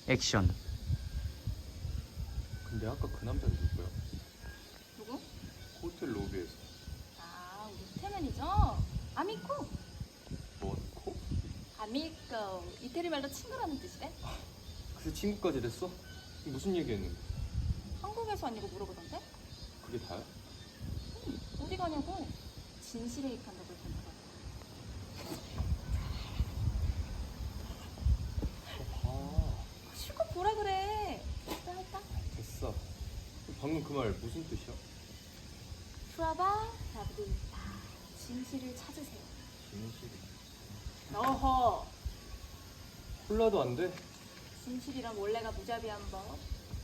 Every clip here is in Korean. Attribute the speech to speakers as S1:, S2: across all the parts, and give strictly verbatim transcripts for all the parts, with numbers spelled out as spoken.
S1: 액션.
S2: 근데 아까 그 남자는 누구야?
S3: 누구?
S2: 호텔 로비에서.
S3: 아, 우리 호텔 매니저 아미코.
S2: 뭔 코?
S3: 아미코 이태리 말로 친구라는 뜻이래.
S2: 그새 친구까지 됐어? 무슨 얘기했는데?
S3: 한국에서 왔냐고 물어보던데?
S2: 그게 다야?
S3: 응, 어디 가냐고. 진실에 입한다고 했던가 봐.
S2: 아,
S3: 실컷 보라 그래. 또 할까?
S2: 됐어. 방금 그 말 무슨 뜻이야?
S3: 프라바 라브리타. 진실을 찾으세요.
S2: 진실이.
S3: 어허.
S2: 콜라도 안 돼?
S3: 진실이란 원래가 무자비한 법.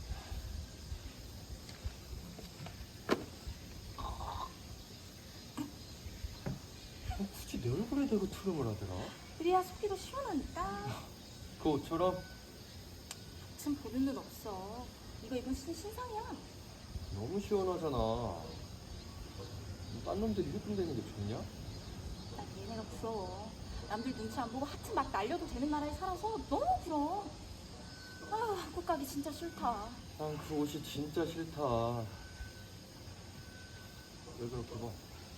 S2: 어, 굳이 내 얼굴에 대고 트름을 하더라?
S3: 그래야 속기도 시원하니까.
S2: 그 옷처럼?
S3: 참 보는 눈 없어. 이거 입은 신, 신상이야.
S2: 너무 시원하잖아. 딴 놈들이 휘둔대는 게 좋냐?
S3: 난 얘네가 부러워. 남들 눈치 안 보고 하트 막 날려도 되는 나라에 살아서 너무 부러워. 아, 한국 가기 진짜 싫다.
S2: 난 그 옷이 진짜 싫다. 왜 그렇게 봐?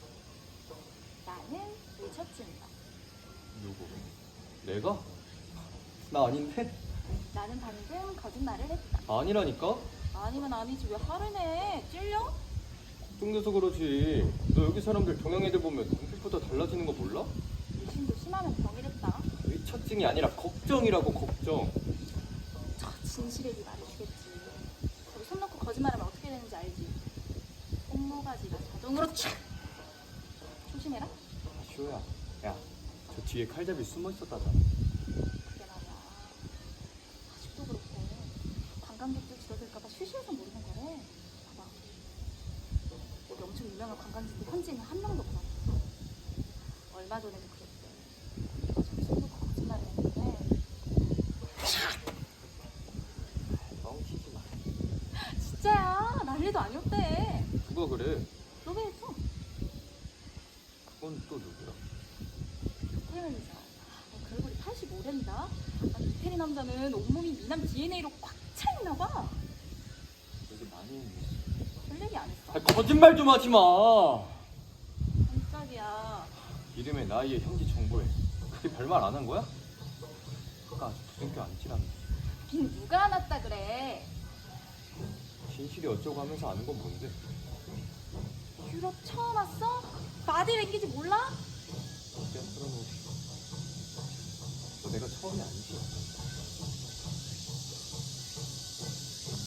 S3: 나는 미쳤습니다.
S2: 누구? 내가? 나 아닌데?
S3: 나는 방금 거짓말을 했다.
S2: 아니라니까?
S3: 아니면 아니지 왜 화를 내? 찔려?
S2: 걱정돼서 그러지. 너 여기 사람들 동양애들 보면 눈빛보다 달라지는 거 몰라?
S3: 의심도 심하면 병이랬다.
S2: 의처증이 아니라 걱정이라고. 걱정.
S3: 저 진실의 네 말해주겠지. 저기 손 놓고 거짓말하면 어떻게 되는지 알지? 손모가지가 자동으로 촥! 조심해라.
S2: 아, 시호야. 야, 저 뒤에 칼잡이 숨어 있었다잖아.
S3: 그게 말이야. 아직도 그렇고 관광객들 줄어들까봐 쉬쉬해서 모르는 거래. 봐봐. 여기 엄청 유명한 관광지인데 현지인은 한 명도 없어. 얼마 전에도 그랬대. 내가 저기 손 놓고 거짓말을 했는데
S2: 뻥치지 마.
S3: 진짜야. 난리도 아니었대.
S2: 누가 그래?
S3: 너왜 했어?
S2: 그건 또 누구야?
S3: 호텔 매니저. 너 그 얼굴이 팔십오랜다. 아니 이태리 남자는 온몸이 미남 디엔에이로 꽉 차 있나 봐.
S2: 여기 많이 있네.
S3: 별 얘기 안 했어.
S2: 아, 거짓말 좀 하지 마.
S3: 깜짝이야.
S2: 이름에 나이에 현지 정보에 그게 별말 안 한 거야? 아까 아주 부정교 안 찌라며.
S3: 빈 누가 안 왔다 그래.
S2: 진실이 어쩌고 하면서 아는 건 뭔데?
S3: 유럽 처음 왔어? 바디 랭귀지 몰라?
S2: 그냥 풀어놓으시. 너 내가 처음이 아니지?